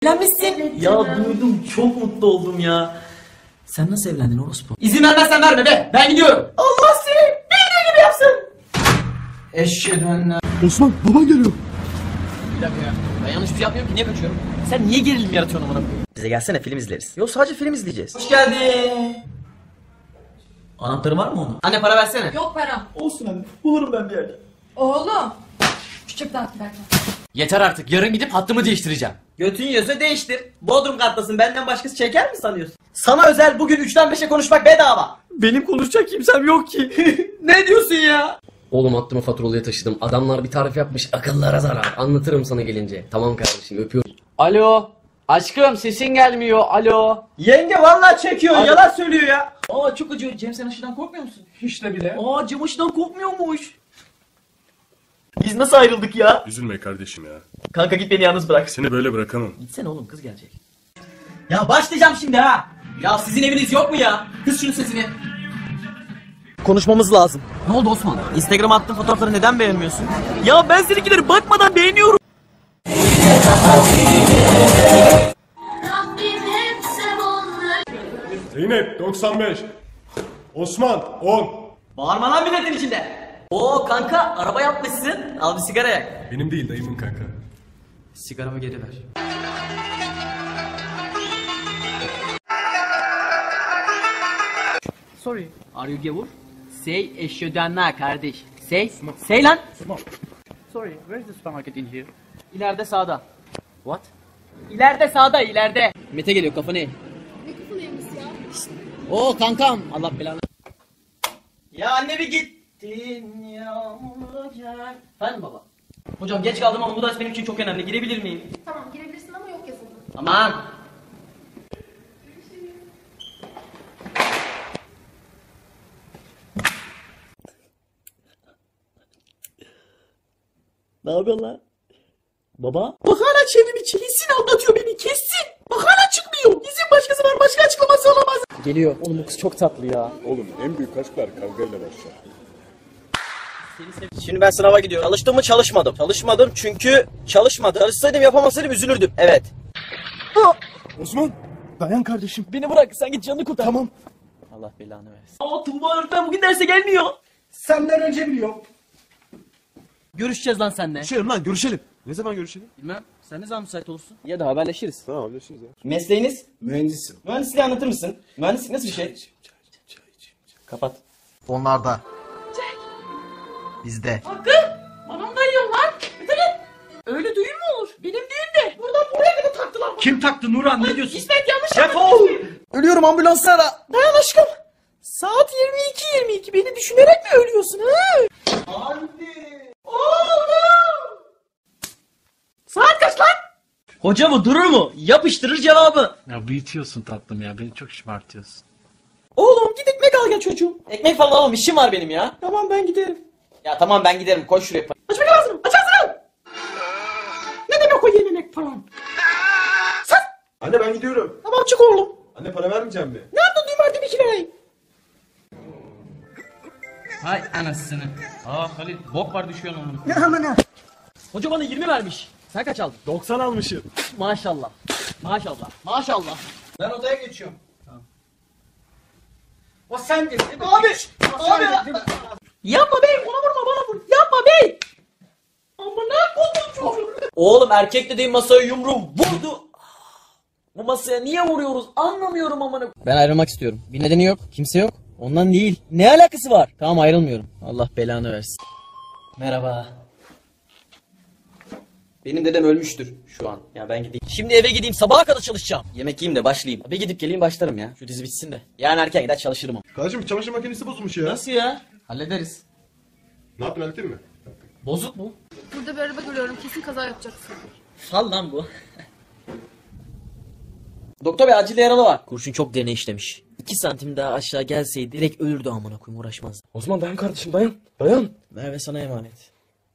Evlenmişsin. Ya duydum, çok mutlu oldum ya. Sen nasıl evlendin orospu? İzin vermezsen verme be. Ben gidiyorum. Allah seni bildiği gibi yapsın. Eşhedü enne. Osman baban geliyor. Bir dakika ya. Ben yanlış bir şey yapmıyorum ki. Niye kaçıyorum? Sen niye gerilim yaratıyorsun amına koyayım? Bize gelsene, film izleriz. Yok, sadece film izleyeceğiz. Hoş geldin. Anahtarı var mı onun? Anne para versene. Yok para. Olsun anne. Bulurum ben bir yerde. Oğlum. Küçük dağıt giderken. Yeter artık. Yarın gidip hattımı değiştireceğim. Götün yiyorsa değiştir. Bodrum katlasın, benden başkası çeker mi sanıyorsun? Sana özel bugün 3'ten 5'e konuşmak bedava. Benim konuşacak kimsem yok ki. Ne diyorsun ya? Oğlum hattımı faturalıya taşıdım. Adamlar bir tarif yapmış. Akıllara zarar. Anlatırım sana gelince. Tamam kardeşim, öpüyorum. Alo. Aşkım sesin gelmiyor. Alo. Yenge vallahi çekiyor, yalan söylüyor ya. Aa çok acıyor. Cem sen aşıdan korkmuyor musun? Hiç de bile. Aa, Cem aşıdan korkmuyormuş. Biz nasıl ayrıldık ya? Üzülme kardeşim ya. Kanka git, beni yalnız bırak. Seni böyle bırakamam. Gitsene oğlum, kız gelecek. Ya başlayacağım şimdi ha. Ya sizin eviniz yok mu ya? Kız şunun sesini. Konuşmamız lazım. Ne oldu Osman? Instagram'a attığın fotoğrafları neden beğenmiyorsun? Ya ben seninkileri bakmadan beğeniyorum. Zeynep 95. Osman 10. Bağırma lan milletin içinde. Oo kanka, araba yapmışsın. Al bir sigara yak. Benim değil, dayımın kanka. Sigaramı geri ver. Sorry. Are you gavur? Say eşyodanna kardeş. Say lan. Sorry, where is the supermarket in here? İleride sağda. What? İleride sağda, ileride. Mete geliyor, kafanı eğ. Ne kafalıymış ya? Oo kankam. Allah belanı. Ya anne bir gittin yağmura gel. Efendim baba. Hocam geç kaldım ama bu ders benim için çok önemli. Girebilir miyim? Tamam girebilirsin ama yok yazılı. Aman. Ne yapıyorsun lan? Baba? Bak hala çevrim içi. Kesin aldatıyor beni, kesin. Bak hala çıkmıyor. Kesin başkası var, başka açıklaması olamaz. Geliyor. Oğlum bu kız çok tatlı ya. Oğlum en büyük aşklar kavgayla başlar. Şimdi ben sınava gidiyorum. Çalıştım mı? Çalışmadım. Çalışmadım çünkü çalışmadım. Çalışsaydım, yapamasaydım üzülürdüm. Evet. Osman dayan kardeşim. Beni bırak, sen git canını kurtar. Tamam. Allah belanı versin. Aa Tuğba öğretmen bugün derse gelmiyor. Senden önce biliyorum. Görüşeceğiz lan seninle. Görüşelim lan, görüşelim. Ne zaman görüşelim? Bilmem. Sen ne zaman müsait olursun? Ya da haberleşiriz. Tamam, haberleşiriz ya. Mesleğiniz? Mühendisim. Mühendisliği anlatır mısın? Mühendislik nasıl bir şey? Kapat. Onlarda. Bizde. Hakkı! Bana mı dayıyorsun lan? Bitirin! Öyle düğün mü olur? Benim düğünde. Buradan buraya kadar taktılar. Kim taktı Nurhan, ne diyorsun? İsmet yanlış Defol! Ölüyorum, ambulansı ara. Dayan aşkım. Saat 22:22. Beni düşünerek mi ölüyorsun ha? Anne! Oğlum! Saat kaç lan? Hoca mı, durur mu? Yapıştırır cevabı. Ya büyütüyorsun tatlım ya, beni çok şımartıyorsun. Oğlum git ekmek al gel çocuğum. Ekmek falan alalım, işim var benim ya. Tamam ben giderim. Ya tamam, ben giderim, koş şuraya. Aç bakayım ağzını. Aç ağzını. Ne demek o yememek falan? Anne ben gidiyorum. Tamam çık oğlum. Anne para vermeyeceğim mi? Nerede düğmerdi bir kirayı? Hay anasını. Aa Halil bok var düşüyorsun onun. Ne amına? Hoca bana 20 vermiş. Sen kaç aldın? 90 almışım. Maşallah. Maşallah. Maşallah. Ben odaya geçiyorum. O sen de. Abi. Abi. Yapma bey. Ona vurma, bana vur. Yapma bey. Amına koydum çocuğu. Oğlum erkek dediğin masaya yumruğu vurdu. Bu masaya niye vuruyoruz anlamıyorum amına. Ben ayrılmak istiyorum. Bir nedeni yok. Kimse yok. Ondan değil. Ne alakası var? Tamam ayrılmıyorum. Allah belanı versin. Merhaba. Benim dedem ölmüştür şu an. Ya ben gideyim. Şimdi eve gideyim, sabaha kadar çalışacağım. Yemek yiyeyim de başlayayım. Bir gidip geleyim, başlarım ya. Şu dizi bitsin de. Yarın erken gider çalışırım. Kardeşim çamaşır makinesi bozulmuş ya. Nasıl ya? Hallederiz. Ne yaptın, hallettin mi? Bozuk mu? Burada bir araba görüyorum. Kesin kaza yapacaksın. Fal lan bu. Doktor bey, acil yaralı var. Kurşun çok derine işlemiş. 2 santim daha aşağı gelseydi direkt ölürdü amına koyayım, uğraşmazdı. Osman dayan kardeşim, dayan. Dayan. Merve sana emanet.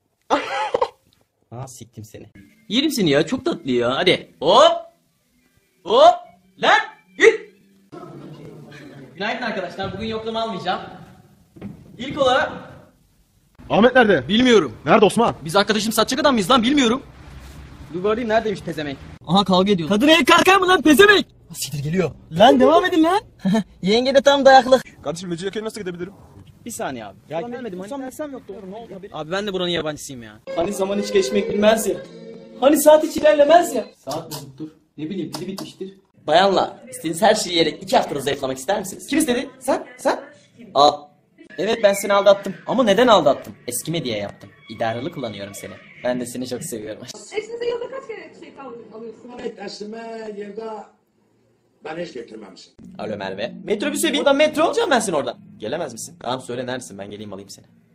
Ha siktim seni. Yerim seni ya, çok tatlı ya. Hadi. Hop. Hop. Lan git. Günaydın arkadaşlar. Bugün yoklama almayacağım. İlk olarak Ahmet nerede? bilmiyorum. Nerede Osman? Biz arkadaşım satacak adam mıyız lan, bilmiyorum. Dur bakayım neredeymiş pezemek? Aha kavga ediyor. Kadın el kalkar mı lan pezemek? Siktir geliyor. Lan devam edin lan. Yenge de tam dayaklı. Kardeşim Mecidiyeköy'e nasıl gidebilirim? Bir saniye abi. Ya gelmedim hani dersem yoktu. Ne oldu abi? Abi ben de buranın yabancısıyım ya. Hani zaman hiç geçmek bilmez ya. Hani saat hiç ilerlemez ya. Saat bozuktur. Ne bileyim pili bitmiştir. Bayanlar, istediğiniz her şeyi yiyerek 2 haftada zayıflamak ister misiniz? Kim istedi? Sen? Al. Evet ben seni aldattım. Ama neden aldattım? Eskime diye yaptım. İdaralı kullanıyorum seni. Ben de seni çok seviyorum. Eşinize yılda kaç kere şey alıyorsunuz? Dersime yılda ben hiç getirmemişim. Alo Merve. Metrobüse bin. Oradan metro alacağım ben seni oradan. Gelemez misin? Tamam söyle neredesin ben geleyim alayım seni.